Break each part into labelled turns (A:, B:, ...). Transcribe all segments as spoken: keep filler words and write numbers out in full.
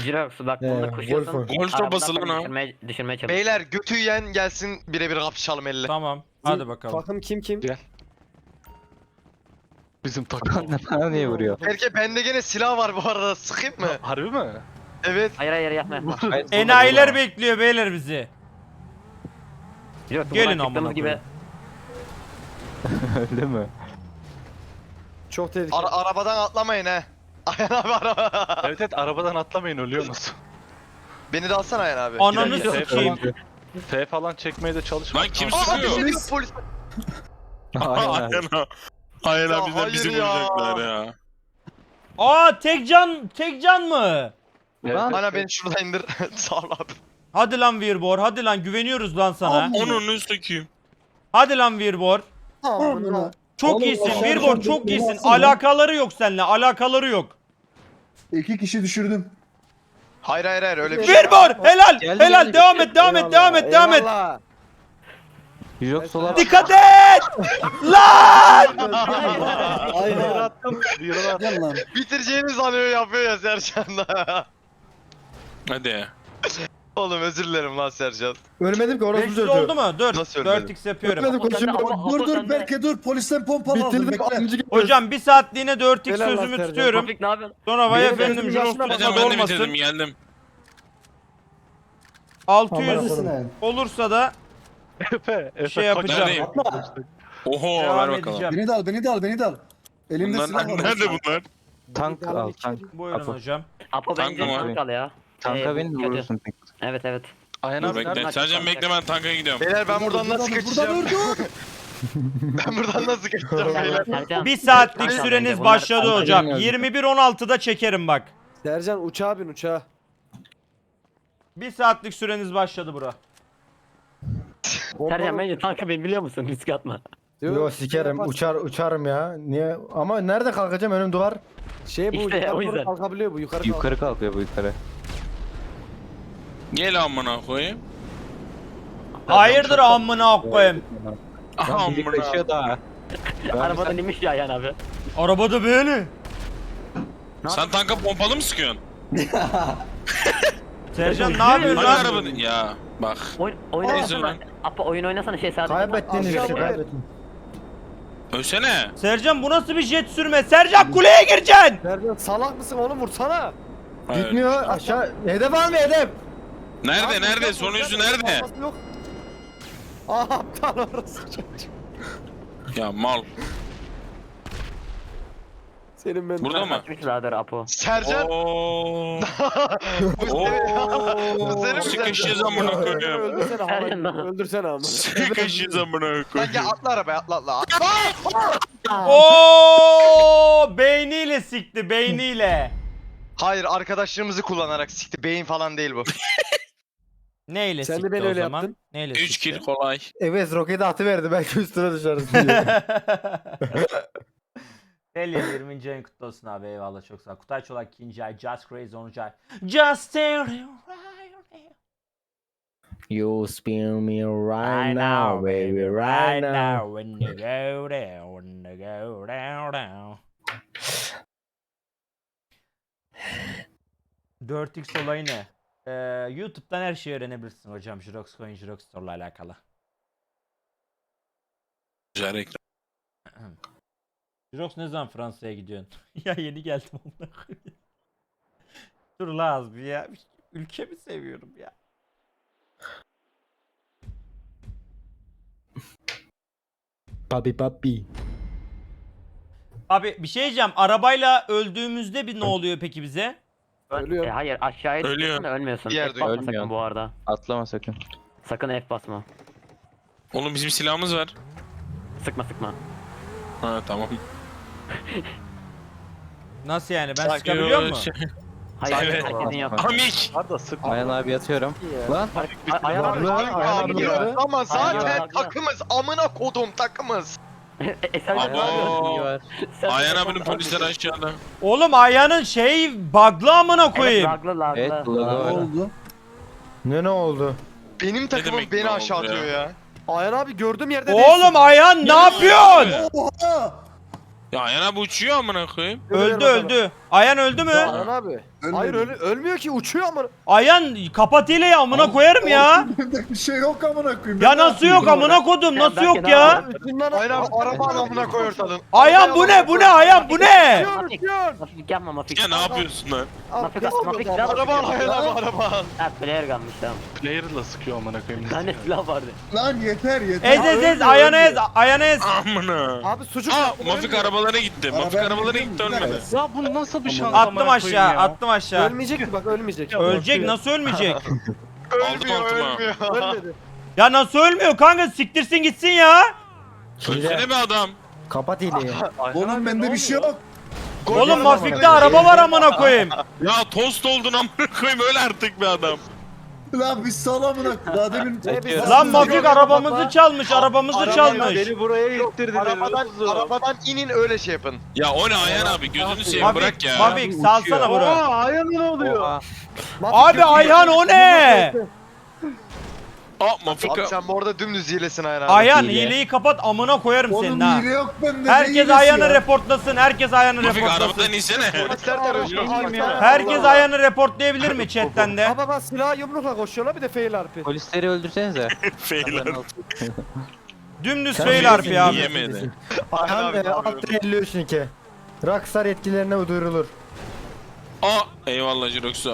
A: Jirox bak
B: Ee,
A: bunda koşuyorsun.
B: Wolf'un.
C: Golf
A: arabadan
C: sopası lan
A: sonra
C: o.
A: Düşürmeye, düşürmeye çalış.
D: Beyler götü yiyen gelsin birebir kapışalım elle.
E: Tamam. Hadi bakalım.
B: Takım kim kim?
F: Bizim takan ne bana niye vuruyor?
D: Erke bende gene silah var bu arada, sıkayım mı?
F: Harbi mi?
D: Evet.
A: Hayır hayır yapma yapma.
F: Hayır,
E: Enayiler bekliyor beyler bizi.
A: Jirox
E: Gelin
A: buradan
E: amına
A: çıktığımız gibi.
E: koyayım.
F: Öyle mi?
B: Çok tehlikeli.
D: Ara arabadan atlamayın he. Ayhan abi araba.
F: Evet evet arabadan atlamayın ölüyorsunuz.
D: Beni de alsana Ayhan abi.
E: Ananı
D: Bir dakika.
E: sikeyim.
F: F falan çekmeye de çalışma.
C: Lan kim
D: Aa,
C: sıkıyor?
D: polis, polis.
F: Aynen.
C: Aynen. Aynen
D: Ya
C: bizden bizi
D: hayır ya.
C: vuracaklar ya.
E: Aa tek can, tek can mı?
F: Evet,
D: Ana beni şuradan indir. Sağ ol abi.
E: Hadi lan Virbor, hadi lan güveniyoruz lan sana.
C: Onun sökeyim.
E: Hadi lan Virbor.
B: Amına.
E: Çok
B: Oğlum,
E: iyisin
B: aşağı
E: Virbor,
B: yukarı
E: çok
B: bir
E: iyisin.
B: baksana.
E: Alakaları yok seninle, alakaları yok.
G: İki kişi düşürdüm.
D: Hayır hayır hayır öyle bir şey.
E: Virbor, helal,
F: Geldi,
E: helal.
F: geldi.
E: Devam et, devam et, devam et, devam et.
B: Eyvallah.
F: Yok sola
E: Dikkat et! Lan!
B: Aynen.
F: Yürü
G: Gel lan.
D: Bitireceğini sanıyor yapıyor ya Sercan da.
C: Hadi.
D: Oğlum özür dilerim lan Sercan.
G: Ölmedim ki orası
E: beş yüz
G: düzeldi.
E: oldu mu? Dur.
D: Nasıl ölmedin?
E: dört x yapıyorum.
G: Ölmedim
A: Apo sende,
G: konuşuyorum.
A: Apo-
G: Dur
A: Apo
G: dur
A: sende.
G: Berke dur polisten pompalı aldım Bitirdim bekle. amcı gibi.
E: Hocam bir saatliğine dört x
B: Helal lan
E: sözümü
B: Sercan.
E: tutuyorum.
A: Topik ne yapıyorsun?
E: Sonra vay
B: Benim
E: efendim
B: gözümün
E: Jirox
B: yaşına bak.
E: tutmadı
C: Hocam ben de bitirdim
E: olmasın.
C: geldim.
E: altı yüz
G: Neredesin yani?
E: olursa da
F: Efe, Efe
E: şey yapacağım.
C: Neredeyim?
G: Atla.
C: Oho
E: Devam
C: ver bakalım.
E: edeceğim.
G: Beni de al beni de al beni de al. Elimde
C: Bunlar
G: silah var.
C: nerede bunlar?
F: Tank al tank.
E: Buyurun
F: Apo.
E: hocam.
A: Apo
C: Tanka
A: bence
C: mı?
A: tank al ya.
F: Tanka
A: Ee,
F: bin
A: kötü.
F: vurursun.
A: Evet evet.
F: Ayhan
C: Dur
F: abi
C: bekle.
F: nerede?
C: Sercan bekle ben tanka gidiyorum.
D: Beyler ben buradan nasıl kaçacağım? Ben buradan nasıl kaçacağım beyler?
A: Sercan,
E: Bir saatlik
A: tank al bence.
E: süreniz
A: Bunlar-
E: başladı hocam. yirmi bir on altıda çekerim bak.
B: Sercan uçağa bin uçağa.
E: Bir saatlik süreniz başladı bura.
A: Sercan bence tanka bin biliyor musun? Risk atma.
B: Diyor,
G: Yo sikerim
B: şey
G: uçar uçarım ya. Niye? Ama nerede kalkacağım önüm duvar.
B: Şey bu
A: İşte
B: yukarı
A: o
B: doğru
A: yüzden.
B: kalkabiliyor bu yukarı kalk.
F: Yukarı kalkıyor bu yukarı.
C: Gel amına koyayım.
E: Hayırdır amına koyayım.
F: Lan biri
C: Amına.
F: kaçıyor daha. Ben
A: Arabadan inmiş ya yani abi.
E: Arabada böyle.
C: Sen tanka pompalı mı sıkıyorsun?
E: Sercan ne yapıyorsun
C: Hangi
E: lan?
C: arabanın? Ya bak.
A: Oyun, oyun
C: Aa.
A: oynasana. Apo oyun oynasana şey sadece.
G: Kaybettiğiniz
B: Aşağı
G: işi
B: buraya.
G: kaybettin.
C: Ölsene.
E: Sercan bu nasıl bir jet sürme? Sercan kuleye gireceksin.
B: Sercan salak mısın oğlum vursana.
C: Hayır.
G: Gitmiyor aşağı. Hedef alma hedef.
C: Nerede
B: Abi,
C: nerede?
B: yok,
C: Sonuncusu
B: yok,
C: nerede?
B: kalması Yok. Aa aptal orası çocuk.
C: Ya mal.
B: Senin ben.
C: Burada mı?
A: Kaçmış zaten Apo.
D: Sercan.
C: Oo.
D: Bu
C: Oo.
D: senin mi
C: Sıkışız
D: Sercan?
C: amına koyayım.
B: Öldürsene
A: Sercan
B: havayı.
A: lan.
B: Öldürsene ama.
C: Sıkışız amına
D: Lan
C: koyayım.
D: gel atla arabaya atla atla. atla.
E: Oo beyniyle sikti beyniyle.
D: Hayır arkadaşlarımızı kullanarak sikti. Beyin falan değil bu.
E: Neyle
B: Sen de
E: sikti
B: beni
E: o
B: öyle
E: zaman?
B: yaptın.
E: Neyle
C: üç
E: sikti?
C: kill kolay.
G: Evet roketi atıverdi belki üstüne düşeriz diye.
E: Deli yirminci ayın kutlu olsun abi eyvallah çok sağ ol. Kutay Çolak ikinci ay, Just Crazy onuncu ay. Just stay
G: You spin me
E: right now baby right now when you go down when you go down down. dört x olayı ne? Ee, YouTube'dan her şeyi öğrenebilirsin hocam. Jirox Coin, Jirox Store'la alakalı.
C: Güzel reklam.
E: Jirox ne zaman Fransa'ya gidiyorsun? Ya yeni geldim onunla. Dur la az bir ya. Ülkemi seviyorum ya.
G: Papi papi.
E: Abi bir şey diyeceğim. Arabayla öldüğümüzde bir ne oluyor peki bize?
B: Ölüyor.
A: E, hayır aşağıya
C: Ölüyor.
A: düşüyorsun da ölmüyorsun.
D: Bir yerde
A: F basma
F: ölmüyor.
A: sakın bu arada.
F: Atlama sakın.
A: Sakın F basma.
C: Oğlum bizim silahımız var.
A: Sıkma sıkma.
C: Ha tamam.
E: Nasıl yani? Ben
C: Sanki
E: sıkabiliyor
C: o
E: muyum?
C: şey-
A: Hayır
C: Evet.
A: herkesin yok.
C: Amik.
F: Arda sık. Ayhan abi yatıyorum. Lan.
A: Ay- Ayhan abi.
G: Lan,
D: Ay,
G: Ayhan
D: abi
G: abi
D: ya.
G: ya.
D: Ama zaten
A: Ayhan abi.
D: takımız. Amına kodum takımız.
A: E, sen
C: Abo.
F: var.
A: Sen-
C: Ayhan abinin polisleri aşağıda.
E: Oğlum Ayhan'ın şey bug'lı amına
A: Evet
E: koyayım.
A: laglı laglı.
F: Evet,
G: Ne
F: lagı var.
G: oldu? Ne ne oldu?
D: Benim takımım
C: demek
D: beni
C: ne
D: aşağı
C: oldu ya?
D: atıyor ya.
B: Ayhan abi gördüğüm yerde
E: Oğlum Ayhan ne yapıyorsun?
G: Oha!
C: Ya Ayhan abi uçuyor amına koyayım.
E: Öldü öldü. Ayhan öldü mü?
B: Ayhan abi. Hayır öl ölmüyor ki uçuyor ama.
E: Ayhan kapat hileyi amına koyarım ya.
H: Bir şey yok amına koyayım.
E: Ya nasıl yok amına kodum nasıl
A: Ben
E: yok
A: belki
E: ya?
B: Ucundan
D: Aynen abi araba adamına koy ortadan.
E: Ayhan bu ne bu ne Ayhan bu ne?
A: Mafik. Mafik yapma Mafik.
C: Ya ne yapıyorsun lan?
A: Mafik Mafik silah var.
D: Araba al Ayhan abi araba al.
A: Ha player kalmış tamam.
C: Player'la sıkıyor amına koyayım.
A: Bir tane silah vardı.
H: Lan yeter yeter.
E: Ez ez ez Ayhan'ı ez Ayhan'ı ez.
C: Amına.
B: Abi sucuk.
C: Aa Mafik arabalara gitti. Mafik arabalara gitti ölmedi.
I: Ya bu nasıl bir şans?
E: Attım aşağı attım aşağı.
B: Ölmeyecek mi bak ölmeyecek.
E: Ölecek nasıl ölmeyecek?
D: Ölmüyor
C: altıma.
D: ölmüyor.
B: Ölmedi.
E: Ya nasıl ölmüyor kanka siktirsin gitsin ya.
C: Ölsene be adam.
G: Kapat hileyi.
H: Oğlum bende bir şey yok.
E: Oğlum Mafik'te araba var amına koyayım.
C: Ya tost oldun amına koyayım öyle artık be adam.
H: Lan biz sal amına. Daha demin.
E: Lan Mafik arabamızı çalmış arabamızı çalmış.
F: Beni buraya ittirdiler.
D: Arabadan, arabadan inin öyle şey yapın.
C: Ya o ne Ayhan abi gözünü seveyim
E: Mafik,
C: bırak ya.
E: Mafik salsana bunu.
F: Ayağım ne oluyor?
E: Abi Ayhan o ne?
C: Aa Mafik
D: Abi sen bu arada dümdüz hilesin Ayhan abi.
E: Ayhan
F: Hile.
E: hileyi kapat amına koyarım
H: Oğlum
E: senin ha.
H: hile yok bende. ne
E: Herkes
H: hilesi
E: Ayhan'ı
H: ya?
E: reportlasın. Herkes Ayhan'ı
C: Mafik
E: reportlasın.
C: arabadan insene.
D: Polisler terörist.
E: Herkes Ayhan'ı reportlayabilir mi chatten de?
B: Baba bak silah yumrukla koşuyorlar bir de fail harfi.
F: Polisleri öldürsenize.
C: Feyler.
E: Dümdüz
G: Sen
E: fail harfi abi.
C: Yemedi.
D: Ayhan
G: Ayhan
D: abi
G: e,
D: ne yapıyor?
G: alt elli üç iki. Rockstar yetkilerine duyurulur.
C: Aa eyvallah Jirox'um.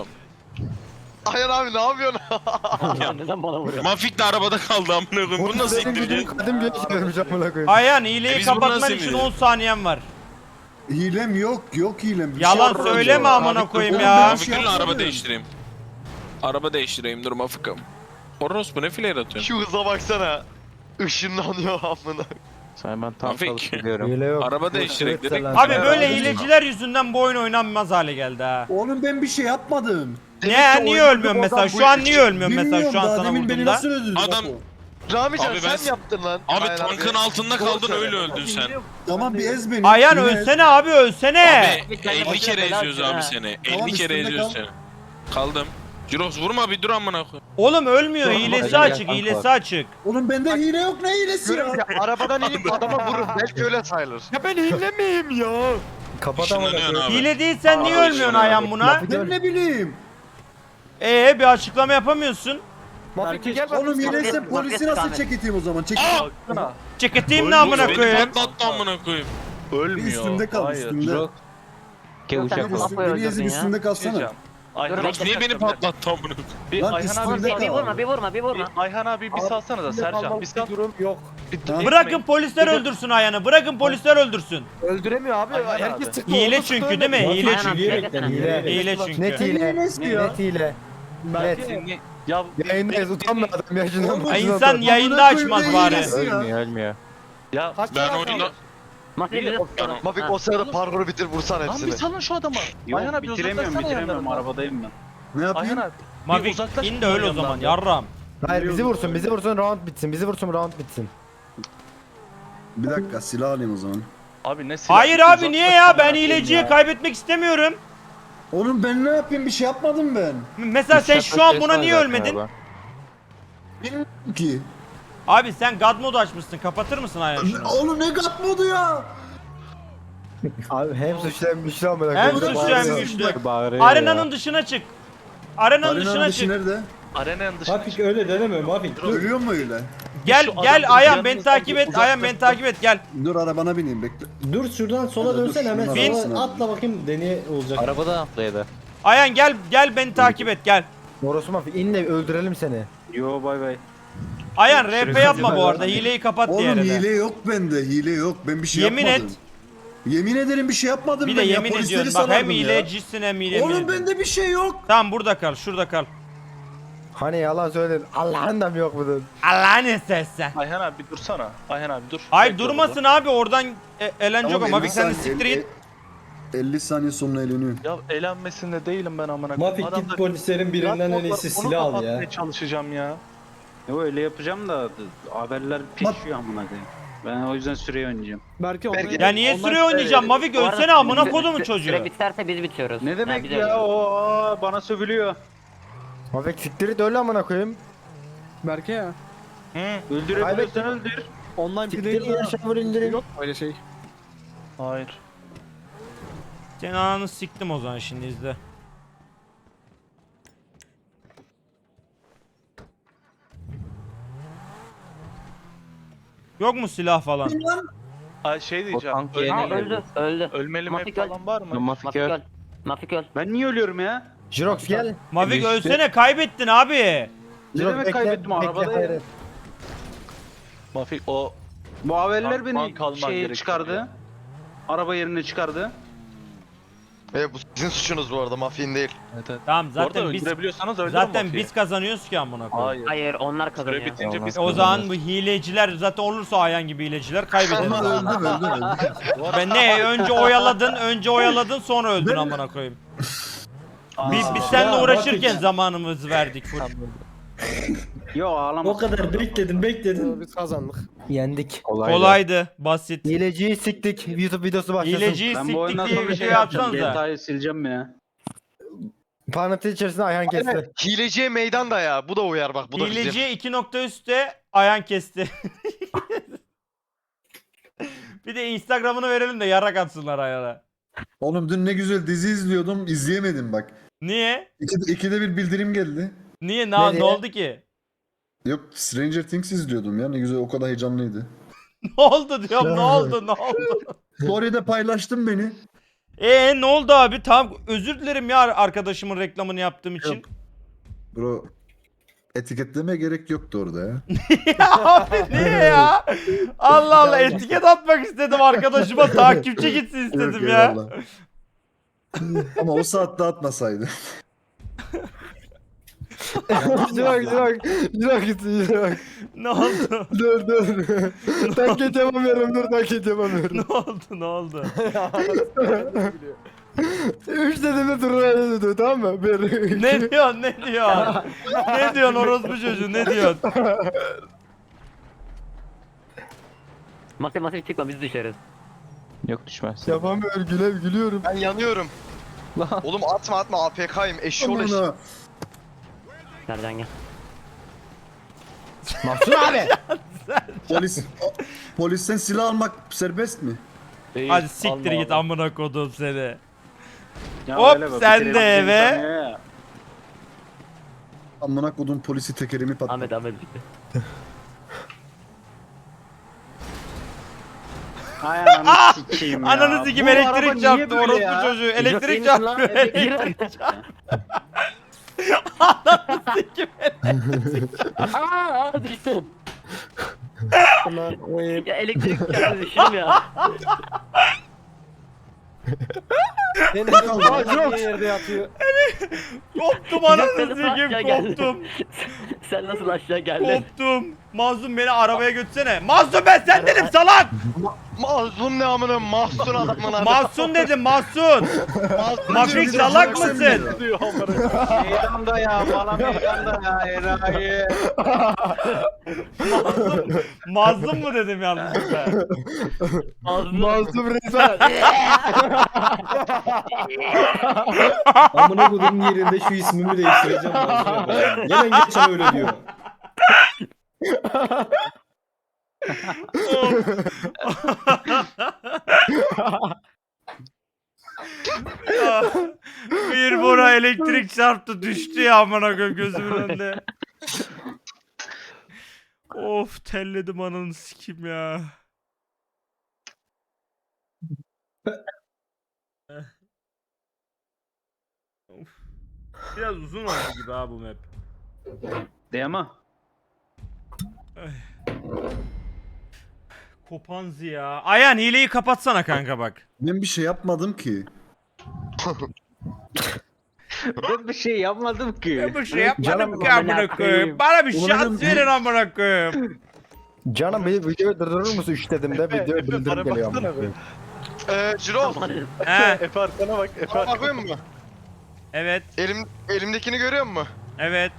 D: Ayhan abi ne yapıyorsun?
A: Ya neden bana vuruyor?
C: Mafik de arabada kaldı amına koyayım. Bunu nasıl
G: Benim gücüm
C: indireceksin?
G: kadim güç vermiş amına koyayım.
E: Ayhan
C: E
E: hileyi
C: biz bunu
E: kapatman
C: nasıl
E: için
C: indireceğiz?
E: on saniyen var.
H: Hilem yok yok hilem. Bir
E: Yalan
H: şey
E: söyleme
H: yok.
E: amına koyayım
H: Oğlum
E: ya.
H: ben-
C: Mafik dur lan, araba
H: yapmadım.
C: değiştireyim. Araba değiştireyim dur Mafik'im. Orospu ne flare atıyorsun?
D: Şu hıza baksana. Işınlanıyor amına.
F: Sen ben tam
C: Mafik.
F: çalıştırıyorum.
G: Hile yok.
C: Araba değiştirek dedik.
E: Abi
C: Ya,
E: böyle
C: abi.
E: hileciler yüzünden bu oyun oynanmaz hale geldi ha.
H: Oğlum ben bir şey yapmadım.
E: Ne niye ölmüyorsun mesela? Şu an niye ölmüyorsun mesela
H: Bilmiyorum
E: şu an
H: daha
E: sana
H: demin beni
E: vurduğumda?
H: nasıl öldürdü?
C: Adam-
H: bak o.
D: Ramican
C: Abi
D: sen
C: ben-
D: mi yaptın lan?
C: Abi
D: Ayhan
C: tankın altında kaldın öyle öldün sen.
H: Tamam bir ez beni.
E: Ayhan
H: bir ez.
E: ölsene abi ölsene.
C: Abi elli kere eziyoruz abi seni.
H: Tamam,
C: elli kere
H: üstünde
C: eziyoruz
H: kal.
C: seni. Kaldım. Jirox vurma bir dur amına koy.
E: Oğlum ölmüyor
F: Tamam,
E: hilesi
F: hadi
E: açık
F: gel,
E: hilesi
F: kanka.
E: açık.
H: Oğlum bende hile yok ne hilesi ya?
D: Görüyorum ya arabadan inip adama vurur. Belki öyle sayılır.
B: Ya ben hile miyim ya?
G: Kapat amına
C: Işınlanıyorsun
G: koyayım.
C: abi.
E: Hile değilsen niye
C: Aa,
E: ölmüyorsun
C: işte.
E: Ayhan buna?
H: Ben ne bileyim.
E: Ee bir açıklama yapamıyorsun.
B: Mafik bir gel bak.
H: Oğlum hileyse
A: Market-
H: polisi
A: market
H: nasıl
A: kahve.
H: çeketeyim o zaman? Çek.
C: Aa!
E: Çeketeyim ne amına
C: Beni
E: koyayım.
C: patlattı amına koyayım.
H: Bir üstümde kal üstümde.
F: Jirok. Ke
A: Yok,
F: uçak
A: sen
F: ol.
A: de-
H: Üstüm, beni ezip
A: ya.
H: üstünde kalsana.
C: Jirox niye beni patlattı amına koyayım?
I: Bir
H: Lan
I: Ayhan
H: üstünde
I: abi,
A: Bir, bir
H: kal.
A: vurma bir vurma bir vurma.
I: bir Ayhan abi bir salsana da Sercan. Bir sal.
B: durum yok.
H: Ha?
E: Bırakın polisler öldürsün Ayhan'ı. Bırakın polisler öldürsün.
B: Öldüremiyor abi.
I: Ayhan
B: Herkes
I: abi.
B: çıktı.
E: Hile
B: oldu,
E: çünkü
B: çıktı,
E: değil mi?
B: öldü.
E: Hile
A: Ayhan
E: çünkü.
A: abi, çekesene.
G: Hile.
E: Hile
G: Net
E: çünkü.
G: hile.
H: Hilesi ya.
G: Net hile. Net.
I: Ya
G: Yayındayız utanma adam yaşından
H: Oğlum,
G: başına
E: Ay
G: utan.
E: insan yayında açmaz bari.
F: Ölmüyor ölmüyor.
I: ya
B: Kaç
C: Ben
B: tane
C: oyunda...
A: Mafik bizi tutalım.
D: Mafik
A: Ha.
D: o sırada parkuru bitir vursan
I: lan bir
D: hepsini.
I: salın şu adamı. Ayhan abi bitiremiyorum bitiremiyorum arabadayım ben.
H: Ne
I: Ayhan
H: yapayım?
I: abi.
E: Mafik
I: uzaklaş
E: in de öl o
I: bunun
E: zaman
I: yanından
E: yarram.
G: Hayır bizi vursun bizi vursun round bitsin. Bizi vursun round bitsin.
H: Bir dakika silah alayım o zaman.
I: Abi ne silah?
E: Hayır abi
I: uzaklaş
E: niye ya? Ben
I: amına koyayım
E: hileciye
I: ya.
E: kaybetmek istemiyorum.
H: Oğlum ben ne yapayım bir şey yapmadım ben.
E: Mesela sen şu an buna niye ölmedin?
H: Bilmiyorum ki.
E: Abi sen God modu açmışsın. Kapatır mısın Ayhan şunu?
H: Oğlum ne gat modu ya?
G: Abi hem suçlu hem güçlü amına
E: Hem
G: koyayım.
E: suçlu hem
H: bağırıyor.
E: güçlü.
F: Bağırıyor
E: Arenanın dışına çık. Arenanın
H: Arenanın
E: dışına
H: dışı
E: çık.
H: nerede?
I: Arenanın dışına çık.
G: öyle deneme Mafik.
H: Ölüyor mu öyle?
E: Gel
I: Şu
E: gel
I: adam
E: Ayhan
I: yanınızdan
E: beni takip
I: bir
E: et. Ayhan beni
I: uzaklaştır.
E: takip et gel.
H: Dur arabana bineyim bekle.
J: Dur şuradan sola
H: Hadi dur,
J: dönsen hemen
H: şunun
J: sola
H: arabasına.
J: atla bakayım deney olacak.
F: Arabada atlaydı.
E: Ayhan gel gel beni takip et gel.
G: Orası Mafik in de öldürelim seni.
F: Yo bay bay.
E: Ayhan R P yapma bu arada. Hileyi kapat diye
H: Oğlum
E: arada.
H: hile yok bende hile yok ben bir şey
E: Yemin
H: yapmadım.
E: et.
H: Yemin ederim bir şey yapmadım
E: Bir
H: ben
E: de
H: ya,
E: yemin
H: polisleri
E: ediyorsun bak hem
H: sarardım ya.
E: hilecisin hem hile
H: Oğlum
E: ediyorsun.
H: bende bir şey yok.
E: Tamam burada kal şurada kal.
G: Hani yalan söyledin. Allah'ın da mı yok bunun?
E: Allah'ın istersen.
I: Ayhan abi bir dursana. Ayhan abi dur.
E: Hayır
I: Bekle
E: durmasın abi oradan e, eğlence yok
H: Tamam,
E: ama. Mafik
H: elli
E: sen de
H: saniye-
E: siktir
H: el-
E: git.
H: elli saniye sonra eğleniyor.
I: burada. Ya eğlenmesinde değilim ben amına koyayım.
J: Mafik git
I: Adamlar-
J: polislerin birinden en iyisi
I: Onu
J: silah al ya.
I: kapatmaya çalışacağım ya.
K: Yo öyle yapacağım da haberler pişiyor amına koyayım. Ben o yüzden süreyi oynayacağım.
B: Belki
D: Belki-
E: Ya niye süre oynayacağım Mafik
A: Bu arada
E: ölsene amına
A: süre-
E: kodumun
A: süre-
E: çocuğu.
A: Süre biterse biz bitiyoruz.
K: Ne
A: Ha,
K: demek
A: biz
K: ya
A: ölüyoruz.
K: o aa, bana sövülüyor.
G: Mafik siktir et öyle amına koyayım.
B: Berke ya.
K: Öldürebiliyorsan öldür.
B: Online
G: Siktir in aşağı indirin.
B: yok öyle şey.
I: Hayır.
E: Senin ananı siktim o zaman şimdi izle. Yok mu silah falan?
I: Ay şey diyeceğim.
F: tank
I: öl-
F: yerine
A: Ha öldü öldü.
I: ölmeli map
A: Mafik öl.
I: falan var mı?
F: Mafik
A: Mafik
F: öl.
A: öl. Mafik öl.
K: Ben niye ölüyorum ya?
G: Jirox gel.
E: Mavik
G: İşte-
E: ölsene kaybettin abi.
K: Ne
G: Jirox
K: demek
G: bekle,
K: kaybettim,
G: bekle,
K: arabadayım.
G: hayret.
I: Mafik o
K: Bu haberler
I: Tank-
K: beni
I: tank alman
K: şey
I: gerekiyor
K: çıkardı.
I: ya.
K: Araba yerine çıkardı.
D: E bu sizin suçunuz bu arada, mafin değil.
I: evet, evet.
E: Tamam
I: Bu arada
E: zaten biz
I: öldürebiliyorsanız öldürün
E: zaten
I: Mafi'yi.
E: biz kazanıyoruz ki amına koyayım.
I: Hayır.
A: Hayır onlar
I: Süre
A: kazanıyor.
I: bitince biz
E: O zaman bu hileciler zaten olursa Ayhan gibi hileciler kaybederiz.
H: Ama öldüm öldüm öldüm.
E: Ben ne önce oyaladın, önce oyaladın sonra öldün amına koyayım. Biz biz seninle
J: Ya,
E: uğraşırken
J: bak-
E: zamanımızı verdik full.
K: Yo ağlama.
J: O kadar bekledim bekledim.
B: Biz kazandık.
G: Yendik.
F: Kolaydı.
E: Kolaydı, basit.
G: Hileciyi siktik. YouTube videosu başlasın.
E: Hileciyi
K: Ben bu
E: siktik
K: oyundan
E: diye
K: sonra
E: bir
K: şey
E: şey
K: yapacağım.
E: atsanıza.
K: G T A'yı sileceğim ya.
G: Parantez içerisinde Ayhan kesti.
D: Hileciye meydan da ya. Bu da uyar bak. Bu da bizim.
E: Hileciye iki nokta üstte Ayhan kesti. Bir de Instagram'ını verelim de yarak atsınlar Ayhan'a.
H: Oğlum dün ne güzel dizi izliyordum, izleyemedim bak.
E: Niye?
H: İki, ikide bir bildirim geldi.
E: Niye? Ne, ne
G: Nereye?
E: oldu ki?
H: Yok, Stranger Things izliyordum ya, ne güzel, o kadar heyecanlıydı.
E: Ne oldu diyorum, ne oldu, ne oldu?
H: Story'de paylaştın beni.
E: Ee ne oldu abi? Tamam özür dilerim ya arkadaşımın reklamını yaptığım için.
H: Yok. Bro, etiketlemeye gerek yoktu orada ya.
E: Ya abi niye ya? Allah Allah etiket atmak istedim arkadaşıma takipçi gitsin istedim
H: Yok,
E: ya.
H: eyvallah. Ama o saatte atmasaydı.
G: Jirox Jirox. Jirox Jirox.
E: Ne oldu?
G: Dur dur. Taklit yapamıyorum dur taklit yapamıyorum.
E: Ne oldu? Ne oldu?
G: Üç dediğimde durur dedi tamam mı? Bir.
E: Ne diyorsun? Ne diyorsun? Ne diyorsun orospu çocuğu? Ne diyorsun?
A: Masif masif çıkma biz düşeriz.
F: Yok düşmez.
G: Yapamıyorum güle gülüyorum.
D: Ben yanıyorum. Oğlum atma atma, A P K'yim. Eşşoğlu eşşoğlu.
H: Aman ha.
A: Sercan gel.
G: Mahsun abi.
H: Polis, polisten silah almak serbest mi?
I: Değil,
E: Hadi siktir
I: alma
E: git
I: abi.
E: amına kodum seni.
K: Ya
E: Hop,
K: öyle bak,
E: sen
K: bitirelim
E: de
K: bir
E: eve.
K: saniye ya.
H: Amına kodum polisi tekerimi patladı.
A: Ahmet Ahmet bitti.
K: Ay ananı sikeyim ya.
E: Ananı sikim
K: Bu araba
E: elektrik
K: niye
E: çarptı
K: böyle
E: orospu
K: ya?
E: çocuğu.
A: Yok, iyi
E: Elektrik
A: misin lan?
E: çarptı.
A: Evet,
E: Elektrik
A: gir.
E: çarptı. Ananı sikim.
A: Aaa düştüm. Ya elektrik çarptı düştüm ya.
B: Senin kaldın. Yerde yatıyor.
E: Koptum ananı
A: Sen nasıl
E: sikim
A: aşağı geldin?
E: koptum.
A: Sen nasıl aşağı geldin?
E: Koptum. Mazlum beni arabaya götürsene. Mazlum ben sen dedim salak.
D: Mahzun ne amına, mahzun adamın adı.
E: Mahsun dedim Mahsun. Mafik salak mısın?
K: Meydanda ya, bana meydanda ya, enayi.
E: Mazlum, mazlum mu dedim yanlışlıkla?
G: Mahsun Reza.
J: Amına kodumun yerinde şu ismimi değiştireceğim. ben. Gelen geçen öyle diyor.
E: Ya, bir bora elektrik çarptı düştü ya amına koyayım gözümün önünde. Of telledim ananı sikim ya. Of. Biraz uzun oldu gibi ha bu map.
K: Değil mi?
E: Kopanzi ya. Ayhan hileyi kapatsana kanka bak.
H: Ben bir şey yapmadım ki.
K: Ben bir şey yapmadım ki.
E: Ben bir şey yapmadım
G: Canım,
E: ki amına koyayım. Bana bir
H: Ulan
E: şans
H: dedim,
E: verin amına koyayım.
G: Canım bir videoyu durdurur musun üç dediğimde video
I: Efe,
G: bildirim
I: bana
G: geliyor.
I: baksana
G: amına koyayım.
D: Eee Cirol.
E: He
I: Efe arkana bak. Efe
D: Bana
I: arkana.
D: bakıyor musun?
E: evet
D: Elim, elimdekini görüyor musun?
E: evet.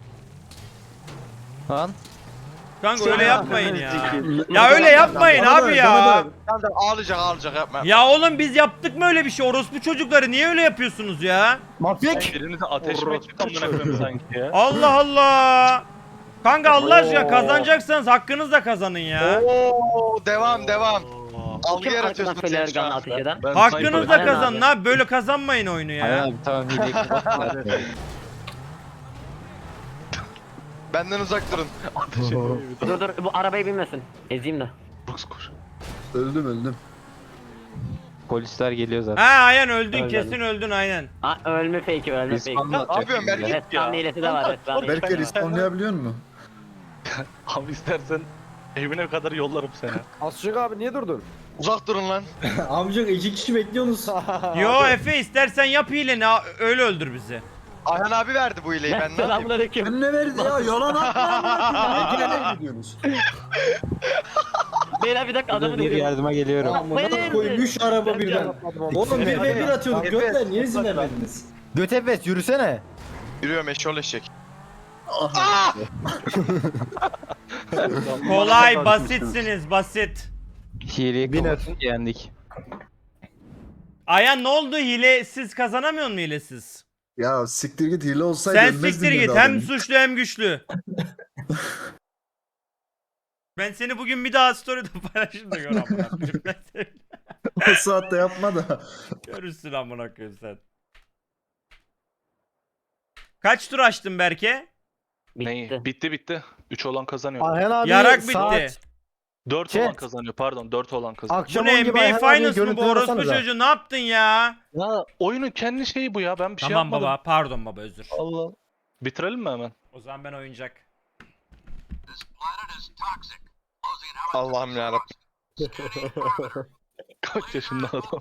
F: Lan.
E: Kanka öyle yapmayın ya.
K: Sikeyim.
E: Ya öyle yapmayın
H: Bana
E: abi
H: da-
E: ya.
H: bana da-
D: Sen de ağlayacak ağlayacak yapma.
E: Ya oğlum biz yaptık mı öyle bir şey? Orospu çocukları niye öyle yapıyorsunuz ya?
G: Mafik.
I: Birinize ateş mi ettik amına koyayım sanki ya?
E: Allah Allah. Kanka Allah aşkına kazanacaksanız hakkınızla kazanın ya.
D: Oo devam devam. Algı
A: Kim arkadan
D: yaratıyorsun
A: fener
D: sen şu
A: gunla
D: an.
A: ateş eden?
I: Ben
E: Hakkınızla
A: Aynen
E: kazanın
A: abi.
E: abi. Böyle kazanmayın oyunu
F: Ayhan
E: ya.
F: abi tamam hileyi kapat.
D: Benden uzak durun.
A: Dur dur bu arabaya binmesin. Ezeyim de.
H: Öldüm öldüm.
F: Polisler geliyor zaten.
E: Ha aynen öldün
A: Öldüm.
E: kesin öldün aynen.
A: Aa, ölme fake'i ölme
F: Biz
A: fake'i.
F: falan
D: Ne yapıyorsun Berke?
A: Evet kan hilesi de var. Evet, kan
H: Belki respawnlayabiliyor musun?
I: Abi istersen evine kadar yollarım seni.
B: Asçık abi niye durdun?
D: Uzak durun lan.
J: Amca iki kişi bekliyorsunuz.
E: Yo Efe istersen yap hileni ha, öyle öldür bizi.
D: Ayhan abi verdi bu hileyi ben ne yapayım?
A: Selamünaleyküm.
H: Ben ne verdi ya? Yalan atma. Ne gene gidiyorsunuz?
A: Beyler bir dakika adamı
F: Bir
A: dövüyorum.
F: yardıma geliyorum.
J: Amına koyayım üç araba birden. Oğlum bir ve bir atıyorduk gökler niye izin vermediniz?
G: Götepes yürüsene.
D: Yürüyorum eşol eşek.
E: Kolay basitsiniz basit.
F: Hileyi
G: Biner.
F: kapatın yendik.
E: Ayan ne oldu hilesiz kazanamıyor mu hilesiz?
H: Ya siktir git hile olsaydı
E: Sen
H: ölmezdin
E: siktir
H: dedi
E: git
H: adam.
E: hem suçlu hem güçlü. Ben seni bugün bir daha story'de paylaşayım da gör amına koyayım. Ben seni-
H: O saatte yapma da.
E: Görürsün amına koyayım sen. Kaç tur açtın Berke?
A: Bitti.
I: Bitti bitti. üç olan kazanıyor.
G: Ayhan abi
E: Yarak
G: saat
E: bitti.
I: dört
G: Chat.
I: olan kazanıyor pardon dört olan kazanıyor.
G: akşam
E: Bu
G: on
E: ne
G: gibi
E: N B
G: Ayhan
E: A
G: abiye
E: Finals mı bu
G: görüntüler
E: orospu
G: atsanıza.
E: çocuğu ne yaptın ya?
I: Ya oyunun kendi şeyi bu ya ben bir şey
E: Tamam
I: yapmadım.
E: baba pardon baba özür.
I: Allah. Bitirelim mi hemen?
E: O zaman ben oyuncak.
D: Allah'ım yarabbim.
I: Kaç yaşında adam?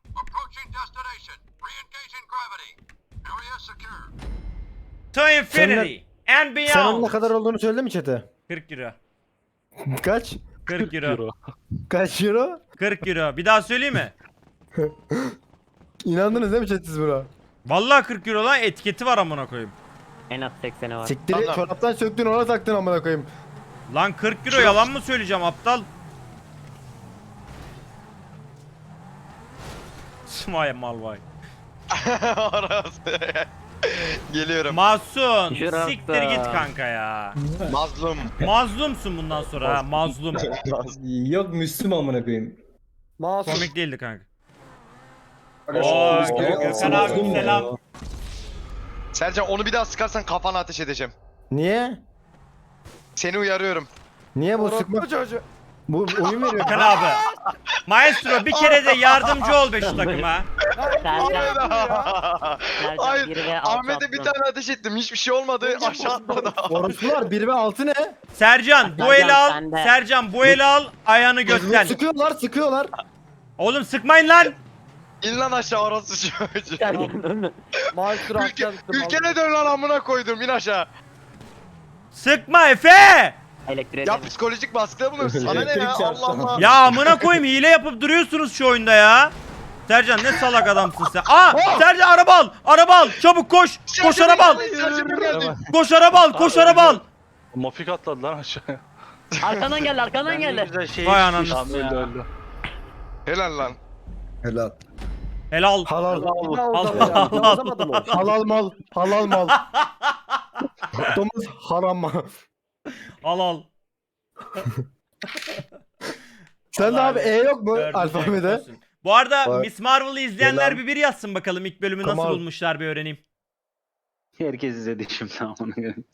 E: To infinity and
G: Sen onun ne
E: beyond.
G: kadar olduğunu söyledi mi chat'e?
E: kırk euro.
G: Kaç?
E: kırk euro.
G: Kaç euro?
E: kırk euro. Bir daha söyleyeyim mi?
G: İnandınız değil mi chat siz buna?
E: Vallahi kırk euro lan etiketi var amına koyayım.
A: En az sekseni var.
G: Siktir
D: Tamam.
G: çoraptan söktün ona taktın amına koyayım.
E: Lan kırk euro yalan mı söyleyeceğim aptal? Vay mal vay.
D: Orası. Geliyorum.
E: Masum.
A: Şurası.
E: Siktir git kanka ya.
D: Mazlum.
E: Mazlumsun bundan sonra ha mazlum.
J: Yok Müslüm amına koyayım.
B: Masum.
E: Komik değildi kanka.
H: Oo,
E: Oo
H: Gö-
E: Gökhan abi
J: Mazlum
E: selam.
J: ya.
D: Sercan onu bir daha sıkarsan kafana ateş edeceğim.
G: Niye?
D: Seni uyarıyorum.
G: Niye bu
B: Orospu
G: sıkma?
B: çocuğu.
G: Bu oyun veriyor.
E: Gökhan abi. Maestro bir kere de yardımcı ol be şu takıma.
A: Sercan,
D: Hayır.
A: biri ve altı
D: Ahmet'e bir
A: attım.
D: tane ateş ettim. Hiçbir şey olmadı. Aşağı atladı.
G: Orospular bir ve altı ne?
E: Sercan bu
A: Sercan,
E: eli al.
A: sen de.
E: Sercan bu eli al. Ayağını götten.
G: Sıkıyorlar sıkıyorlar.
E: Oğlum sıkmayın lan.
D: İn lan aşağı orası çocuğu.
A: Sercan ölme.
B: Maestro
D: Ülke,
B: aşağı düştü.
D: ülkene dön lan amına koydum. İn aşağı.
E: Sıkma Efe.
A: Elektriğe
D: Ya
A: dön.
D: psikolojik baskıda bulun. Sana ne
J: Elektrik
D: ya?
J: çarptı.
D: Allah Allah.
E: Ya amına koyayım hile yapıp duruyorsunuz şu oyunda ya. Sercan ne salak adamsın sen. Aa Sercan araba al. Araba al. Çabuk koş. Koş araba al.
D: Sercan geldi.
E: Koş araba al. Koş araba al.
I: Mafik atladı lan aşağıya.
A: Arkandan geldi arkandan geldi.
K: Güzel şey
E: Vay ananı.
I: Tamam öldü öldü.
D: Helal lan.
H: Helal.
E: Helal.
G: Halal.
B: Bir daha uzadı ya. Bir daha uzamadı mı?
G: Halal mal. Halal mal. Domuz haram mal.
E: Al al.
G: Sen de abi E yok mu
E: Dördüncü
G: alfabede?
E: olsun. Bu arada
G: Var.
E: Miss Marvel'ı izleyenler
G: Selam.
E: bir bir yazsın bakalım ilk bölümü nasıl
G: Tamam.
E: bulmuşlar bir öğreneyim.
K: Herkes izledi şimdi amına koyayım.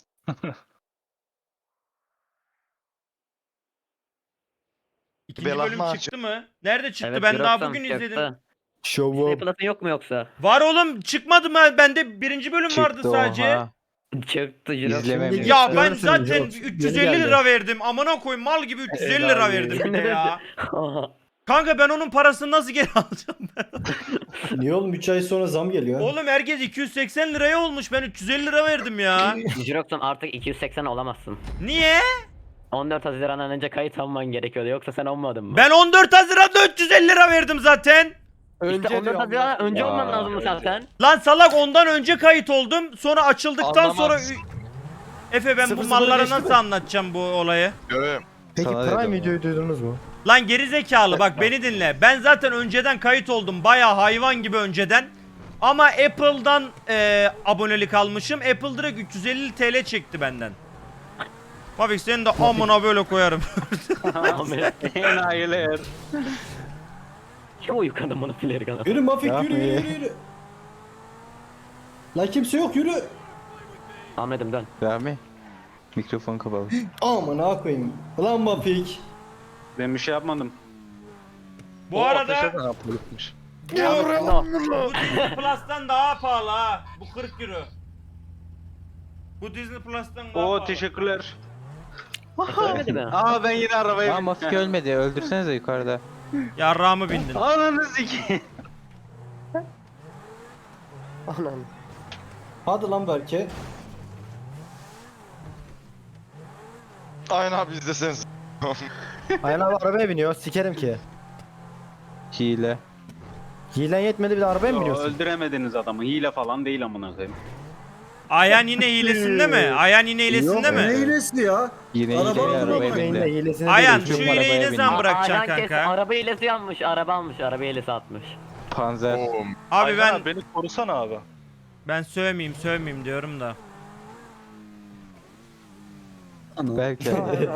E: İkinci
D: Belah
E: bölüm
D: maçı.
E: çıktı mı? Nerede çıktı?
A: Evet,
E: ben daha
A: Jirox'tan
E: bugün
A: çıktı.
E: izledim.
G: Şovu.
A: Disney Plus'ın yok mu yoksa?
E: Var oğlum çıkmadı mı? Bende birinci bölüm vardı
F: Çıktı
E: sadece.
F: oha.
A: Çıktı Jirox.
F: İzlememiş.
E: Ya ben
G: Görürsün,
E: zaten
G: Jirox.
E: üç yüz
G: Yeni
E: elli
G: geldi.
E: lira verdim. Amına koyayım mal gibi üç yüz elli lira
G: Helal
E: verdim bir de ya. Kanka ben onun parasını nasıl geri alacağım ben?
J: Niye oğlum üç ay sonra zam geliyor?
E: Oğlum herkes iki yüz seksen liraya olmuş. Ben üç yüz elli lira verdim ya.
A: Jirox'tan artık iki yüz seksen olamazsın.
E: Niye?
A: on dört Haziran'dan önce kayıt alman gerekiyordu yoksa sen olmadın mı?
E: Ben on dört Haziran'da üç yüz elli lira verdim zaten.
B: Önce
A: İşte on dört
B: diyor,
A: Haziran'dan önce
F: Aa,
A: olman lazım zaten.
E: Lan salak ondan önce kayıt oldum. Sonra açıldıktan
D: Anlamaz.
E: sonra... Efe ben
G: Sıfır
E: bu
G: sıfır
E: mallara
G: geçti
E: nasıl
G: mi?
E: anlatacağım bu olayı?
D: Görüyorum.
G: Peki
F: Sana
G: Prime
F: dedim
G: videoyu duydunuz mu?
E: Lan geri zekalı bak beni dinle. Ben zaten önceden kayıt oldum. Baya hayvan gibi önceden. Ama Apple'dan e, abonelik almışım. Apple direkt üç yüz elli TL çekti benden. Mafik seni de amına böyle koyarım.
K: Enayiler.
A: Kim uyukladı bunu fileri kanal?
J: Yürü Mafik
G: Ya,
J: yürü yürü
G: iyi.
J: yürü yürü. Lan kimse yok yürü.
A: Ahmet'im dön.
F: Rami. Mikrofon kapalı.
J: Aman ha koyayım. Ulan Mapik.
K: Ben bir şey yapmadım.
E: Bu arada
D: Ha, polismiş.
E: bu Disney Plus'tan daha pahalı ha. Bu kırk euro. Bu Disney Plus'tan daha
K: Oo
E: pahalı.
K: teşekkürler.
A: Söylemedi mi?
K: Aa ben yine arabaya
F: Aa Mafik ölmedi. Öldürsenize yukarıda.
E: Yarrağımı bindin.
K: Ananı sikeyim.
B: Anam.
J: Hadi lan Berke.
D: Aynen abi izleseniz.
B: Ayhan abi arabaya biniyor. Sikerim ki.
F: Hile.
B: Hilen yetmedi bir de arabaya mı
K: Yo,
B: biniyorsun?
K: öldüremediniz adamı. Hile falan değil amına koyayım.
E: Ayhan yine hilesinde mi? Ayhan yine hilesinde
H: Yok,
E: mi?
H: ne hilesi ya?
F: Yine
H: Araba
F: hile
H: mı
F: arabaya
H: bırakmayın
B: Yine
F: bindi.
B: hilesine
E: Ayhan
B: değil.
E: şu
F: Arabaya
E: hileyi ne
F: bindi.
E: zaman
A: Ayhan
E: bırakacaksın
A: kes,
E: kanka?
A: araba hilesi yanmış, araba almış, araba hilesi atmış.
F: Panzer.
E: Abi ben
D: beni korusana abi.
E: ben sövmeyeyim sövmeyeyim diyorum da.
H: Ana.
F: Belki.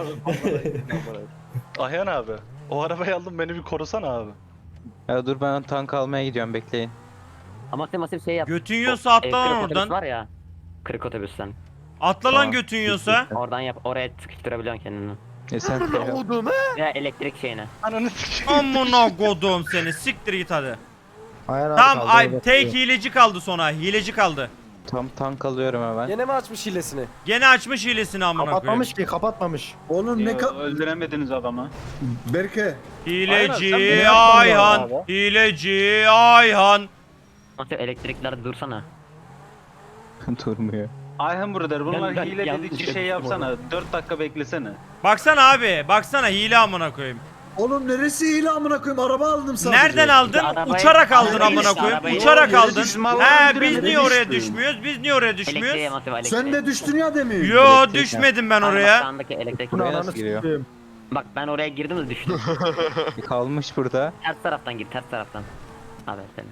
D: Ayhan abi. O arabayı aldım beni bir korusana abi.
F: Ya dur ben tank almaya gidiyorum bekleyin.
A: Ama sen masif şey yap.
E: Götün yiyorsa atla
A: E,
E: lan
A: kırık otobüs
E: oradan.
A: var ya. Kırık otobüsten.
E: Atla lan
F: Tamam.
E: götün yiyorsa.
A: Oradan yap, oraya sıkıştırabiliyorsun kendini.
F: E sen
A: Ya elektrik şeyine.
D: Ananı sikeyim.
E: Amına kodum seni. Siktir git hadi.
B: Ayhan abi
E: Tamam
B: kaldı,
E: ay
B: evet.
E: tek hileci kaldı sonra. Hileci kaldı.
F: tam tank alıyorum hemen.
B: Gene mi açmış hilesini?
E: Gene açmış hilesini amına koyayım.
B: Kapatmamış ki kapatmamış.
H: Oğlum ne
K: Yo,
H: ka...
K: öldüremediniz adamı.
H: Berke.
E: Hileci
D: Aynen, sen beni
E: Ayhan.
D: yapmadın
E: Hileci Ayhan.
A: Masif elektriklerde dursana.
F: Durmuyor.
K: Ayhan brother bunlar
A: Ben- ben
K: hile
A: yanlış
K: dedikçe şey
A: yapmışım
K: yapsana. dört dakika beklesene.
E: Baksana abi. Baksana hile amına koyayım.
H: Oğlum neresi hile amına koyayım? Araba aldım sadece.
E: Nereden aldın?
A: Arabayı-
E: Uçarak aldın
A: arabayı-
E: amına koyayım.
A: arabayı-
E: Uçarak
H: Yere
E: aldın.
H: düştüm.
E: He biz
H: Yere
E: niye oraya
H: düştüm.
E: düşmüyoruz? Biz niye oraya
A: Elektriğe
E: düşmüyoruz?
A: masif elektriğe.
H: Sen de düştün ya demin.
E: Yo
F: Elektrik
E: düşmedim ben
A: Kanka bak,
E: oraya.
A: sağındaki elektrik.
B: Bunu
F: Buraya
B: ananı
F: nasıl giriyor?
B: sikeyim.
A: Bak ben oraya girdim de düştüm.
F: Kalmış burada.
A: Ters taraftan gir, ters taraftan. Abi seni.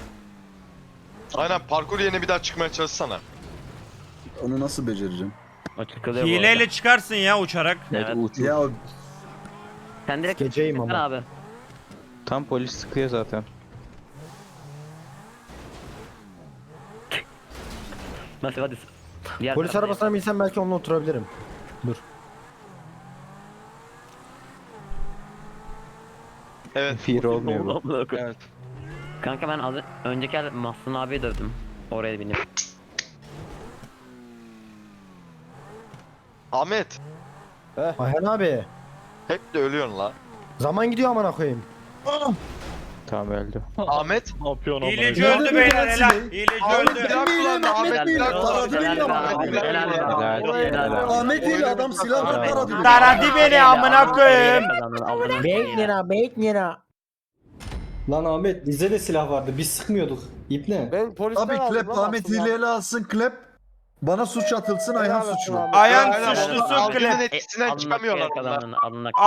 D: Aynen parkur yerine bir daha çıkmaya çalışsana.
H: Onu nasıl becereceğim?
A: O çıkılıyor bu arada.
E: Hileyle çıkarsın ya uçarak.
F: Evet,
A: Evet.
F: uç.
H: Ya
A: Sen direkt
B: Geceyim
A: çıksana
B: ama.
A: abi.
F: Tam polis sıkıyor zaten.
A: Masif hadi. Diğer
B: Polis
A: tarafa.
B: arabasına binsem belki onunla oturabilirim.
D: Evet.
F: Fear olmuyor bu.
D: Evet.
A: Kanka ben az önceki el Mahsun abiye dövdüm. Oraya binip.
D: Ahmet.
B: Ayhan abi.
D: Hep de ölüyorsun la.
B: Zaman gidiyor amına koyayım.
F: Tamam öldü.
D: Ahmet.
E: Hileci
H: Nerede
E: öldü
H: bu
E: beyler
H: taksi?
E: helal. Hileci
H: Ahmet
E: öldü.
H: benim hilem Ahmet
A: Helal
H: hilem
A: be.
H: taradı
A: Helal
H: beni
A: be.
H: Ahmet hilem.
A: Helal be.
F: Helal.
A: Helal.
H: Ahmet hile adam silahla
A: Helal.
H: taradı beni.
E: Taradı beni amına koyayım.
B: beş lira.
J: Lan Ahmet bizde de silah vardı. Biz sıkmıyorduk. İp ne?
B: Ben polisten
H: Abi
B: aldım
H: klep
B: lan
H: Ahmet
B: aslında.
H: hileyle alsın klep. Bana suç atılsın Ayhan
B: Helal olsun
H: suçlu.
B: abi.
E: Ayhan
D: Aynen,
E: suçlusun
D: Algının
E: klep.
D: etkisinden çıkamıyorlar onlar.
A: Alnına